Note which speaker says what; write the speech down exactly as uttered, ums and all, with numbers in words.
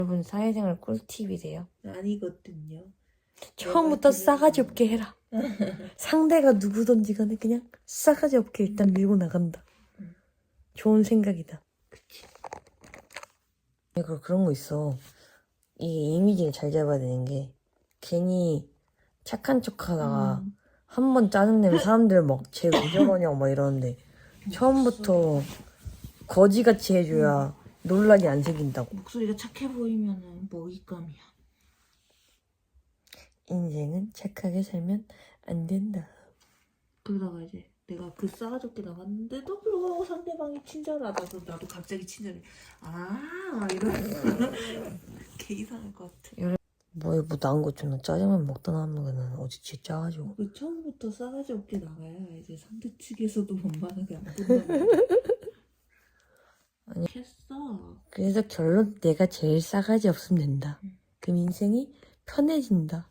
Speaker 1: 여러분 사회생활 꿀팁이래요.
Speaker 2: 아니거든요.
Speaker 1: 처음부터 싸가지 없게 해라. 상대가 누구든지 간에 그냥 싸가지 없게 일단 밀고 나간다.
Speaker 2: 응.
Speaker 1: 좋은 생각이다.
Speaker 2: 그치.
Speaker 1: 그리고 그런 거 있어. 이게 이미지를 잘 잡아야 되는 게 괜히 착한 척 하다가
Speaker 2: 음.
Speaker 1: 한 번 짜증내면 사람들 막 쟤 왜 저러냐고 막 이러는데 처음부터 거지같이 해줘야 논란이 안 생긴다고.
Speaker 2: 목소리가 착해 보이면은 먹잇감이야.
Speaker 1: 인생은 착하게 살면 안 된다.
Speaker 2: 그러다가 이제 내가 그 싸가지 없게 나갔는데도 불구하고 상대방이 친절하다. 그럼 나도 갑자기 친절해. 아 이러면서 개 이상할 것 같아.
Speaker 1: 뭐에 뭐 나은 거 존나 짜장면 먹다 남는 어제 진짜 짜가지고.
Speaker 2: 그 처음부터 싸가지 없게 나가야 이제 상대 측에서도 원만하게 안 본다고.
Speaker 1: 아니.
Speaker 2: 했어.
Speaker 1: 그래서 결론 내가 제일 싸가지 없으면 된다.
Speaker 2: 응.
Speaker 1: 그럼 인생이 편해진다.